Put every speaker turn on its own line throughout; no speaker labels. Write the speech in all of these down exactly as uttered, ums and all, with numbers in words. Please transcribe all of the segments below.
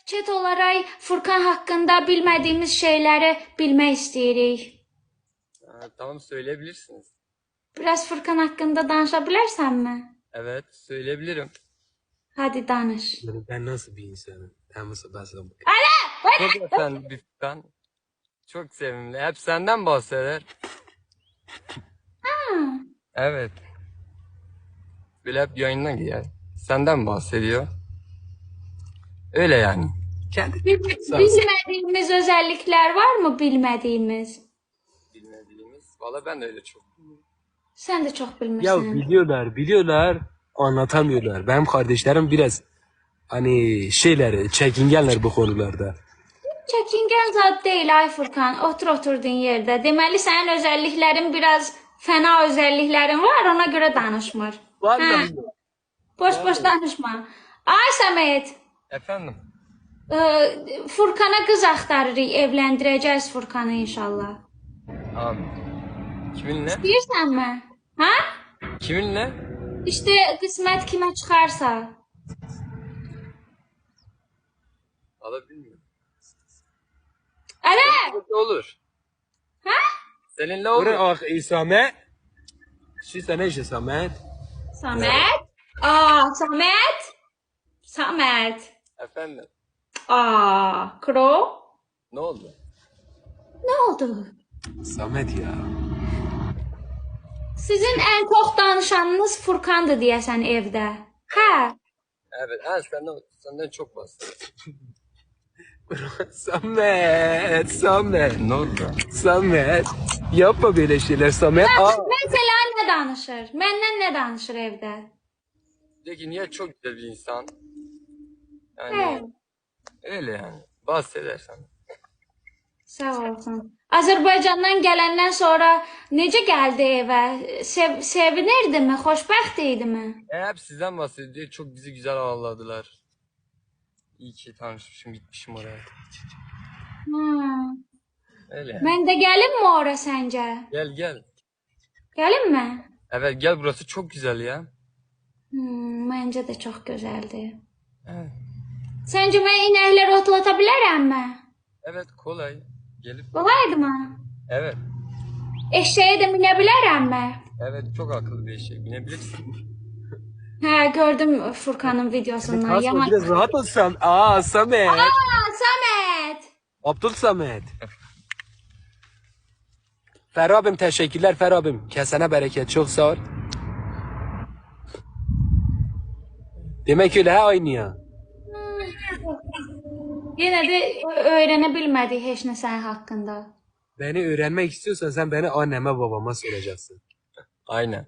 chat olaraq Furkan haqqında bilmədiyimiz şeyləri bilmək istəyirik.
Ha, tamam söyleyebilirsiniz.
Biraz Furkan haqqında danışa bilərsənmi?
Evet söyleyebilirim.
Hadi danış.
Yani ben nasıl bir insanım? Ben nasıl ben sana
Çok efendi bir Furkan. Çok sevimli. Hep senden bahseder. Evet. Böyle hep yayından giyer. Senden bahsediyor. Öyle yani.
kendi
Bil- Bilmədiyimiz özəlliklər var mı bilmədiyimiz?
Bilmediğimiz. Valla ben de öyle çok.
Sən də çox
ya
bilmirsən.
biliyorlar biliyorlar anlatamıyorlar. Benim kardeşlerim biraz hani şeyler çekingenler bu konularda.
Çəkingən zad deyil ay Furkan. Otur oturduğun yerdə. Deməli sənin özəlliklərin biraz fəna özəlliklərin var, ona görə danışmır.
Vallahi.
Boş boş danışma. Ay Səməd,
Efendim.
e, Furkana qız axtarırıq, evləndirəcəyiz Furkanı inşallah.
Abi. Kiminle?
Bilirsənmi? Ha?
Kiminle?
İşte qismət kimə çıxarsa.
Valla bilmiyorum.
Ələ!
Seninle olur.
Ha?
Seninle olur.
Buraya ah İsame. Şu sana işte Samet.
Səməd? Aa, Səməd? Səməd.
Efendim.
Aa, Kro?
Ne oldu?
Nə oldu?
Samet ya.
Sizin ən çox danışanınız Furkandır deyəsən evdə. Hə?
Evet. Ha, senden, senden çok bahsediyor.
Samet, Samet,
Ne oldu?
Samet. Yapma böyle şeyler Samet. Aa.
Mesela nə danışır? Məndən nə danışır evdə?
De ki niye çok güzel bir insan. Yani
Hə,
öyle yani. Bahsedersen.
sağ olsun. Azərbaycandan gələndən sonra necə gəldi evə? Sev sevinirdimi? Xoşbəxt idimi?
E, hep sizden bahsediyor. Çok bizi güzel ağırladılar. İyi ki tanışmışım, gitmişim oraya.
Hmm.
Öyle yani.
Mən də gəlimmi ora səncə?
Gel gel.
Gəlimmi?
Evet gel, burası çok güzel ya.
Hmm, məncə də çox gözəldir.
Evet.
Səncə mən inəkləri otlata bilərəmmi?
Evet kolay. Gelip.
Qolaydımı?
Evet.
Eşeğe də minə bilərəmmi?
Evet çok akıllı bir şey. Binebilirsin.
Hə, gördüm Furkanın videosundan.
Kasma
Yaman.
biraz rahat ol Sam. Aa Samet.
Aa, Samet.
Abdul Samet. Ferhat abim teşekkürler Ferhat abim. Kesene bereket çok sağ ol. Demek öyle ha aynı ya.
Yenə də öyrənə bilmədik heç nə sənin haqqında.
Beni öğrenmek istiyorsan sen beni anneme babama soracaksın.
Aynen.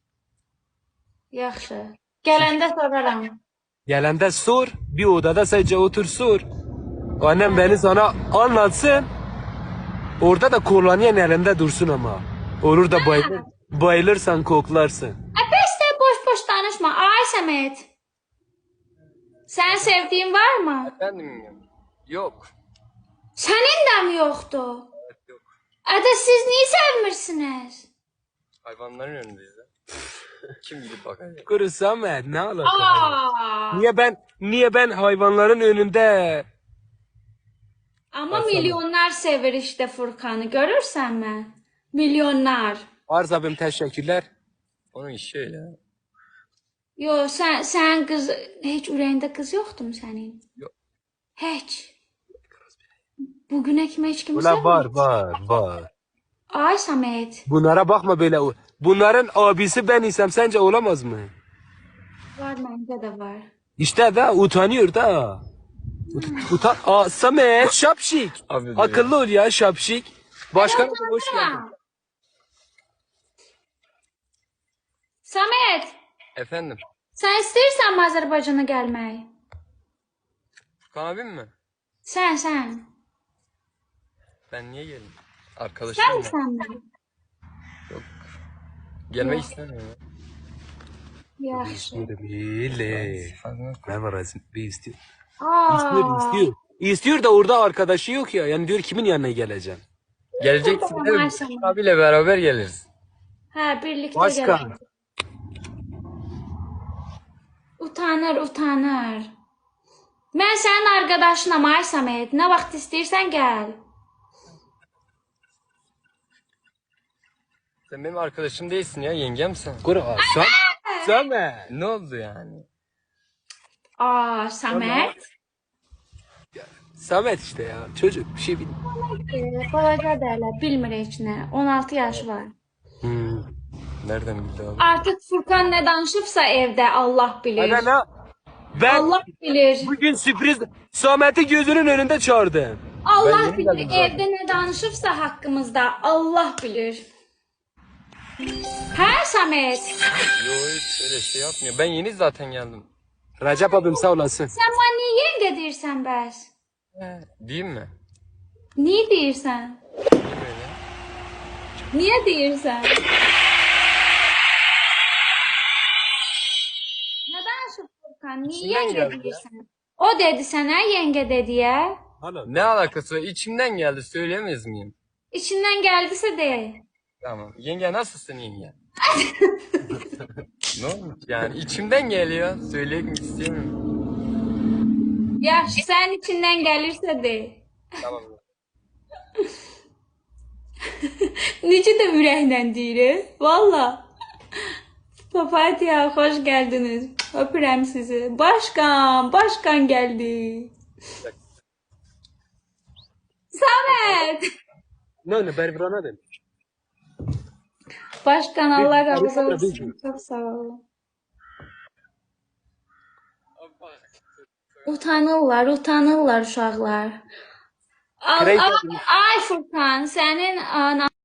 Yaxşı. Gələndə soraram.
Gelende sor. Bir odada sadece otur sor. Annem beni sana anlatsın. Orada da kolonyen elinde dursun ama. Olur da bayılır, bayılırsan koklarsın.
Ə, bəs də boş-boş danışma. Ay Səməd. Sənin sevdiyin varmı?
Efendim yok.
Sənin də mi yoxdur?
Evet yok.
Ədə siz niyə sevmirsiniz?
Hayvanların önündeyiz ya. Kim gidip bakacak?
Kuru Samet ne alaka?
Aa!
Niye ben niye ben hayvanların önünde
Amma milyonlar sevir işte Furkanı. Görürsənmi? Milyonlar.
Arz abim teşekkürler.
Onun işi öyle.
Yo, sən sən qız heç ürəyində qız yoxdur mu sənin?
Yok.
Heç. Bugünə kimi heç kimi
Ulan var
sevmir.
var var.
Ay Səməd.
Bunlara bakma böyle. Bunların abisi ben isem sence olamaz mı?
Var, məndə də var.
İşte da utanıyor da. Ut- Utan. Aa Samet şapşik.
Abi,
Akıllı ol ya şapşik. Başkanım hoş geldin.
Səməd,
Efendim.
sən istəyirsənmi Azərbaycana gəlmək?
Furkan abim mi?
Sən, sən.
Ben niye geleyim? Arkadaşım
Sən
ya.
misənmi?
Gelmek istemiyorum.
Yaxşı.
İstiyorum. İyi. Ne var Azim? Bir istiyor.
Aa.
İstiyor, istiyor. İstiyor da orada arkadaşı yok ya. Yani diyor kimin yanına geleceğim?
Geleceksin değil mi? Furkan abiyle beraber geliriz.
Hə, birlikdə
Başkan.
gələk. Utanır, utanır. Mən sənin arkadaşınam ay Samet. Nə vaxt istəyirsən gəl.
Sen benim arkadaşım değilsin ya, yengemsin.
Kura Sam Samet.
Ne oldu yani?
Aa, Samet.
Samet işte ya. Çocuk bir şey bilmiyor.
Ee, Balaca derler, bilmir heç nə. on altı yaşı var.
Hmm.
Nereden bildi abi?
Artıq Furkan nə danışıbsa evdə Allah bilir.
Ana ne? Ben
Allah bilir.
bugün sürpriz Samet'i gözünün önünde çağırdım.
Ben
Allah
yeni
bilir.
geldim zaten.
Evdə nə danışıbsa haqqımızda Allah bilir. Hə Samet?
Yo, hiç öyle şey yapmıyor. Ben yeni zaten geldim.
Recep abim sağ olasın.
Sən mənə niyə yengə deyirsən bəs?
Değil mi?
Niyə deyirsən?
Değil mi öyle?
Niyə deyirsən? Nə danışıb Furkan? Niyə
İçindən
yengə
geldi ya.
deyirsən? O dedi sənə yengə dediyə.
Ne alakası var? İçimden geldi, söyleyemez miyim?
İçindən gəldisə de.
Tamam. Yenge nasılsın yenge? Ne olmuş yani? İçimden geliyor. Söylemek istemiyorum.
Yaxşı, sənin içindən gəlirsə de.
Tamam.
Necə də ürəklə deyir, valla. Papatya, xoş gəldiniz. Öpürəm sizi. Başkan, başkan gəldi. Samet.
Ne ne Berbrana demiş.
Başkan Allah razı
Bir- bir-
olsun. Çok sağ olun. Utanırlar, utanırlar uşaqlar. Al,
Krey
al,
geldi.
ay Furkan, sənin an,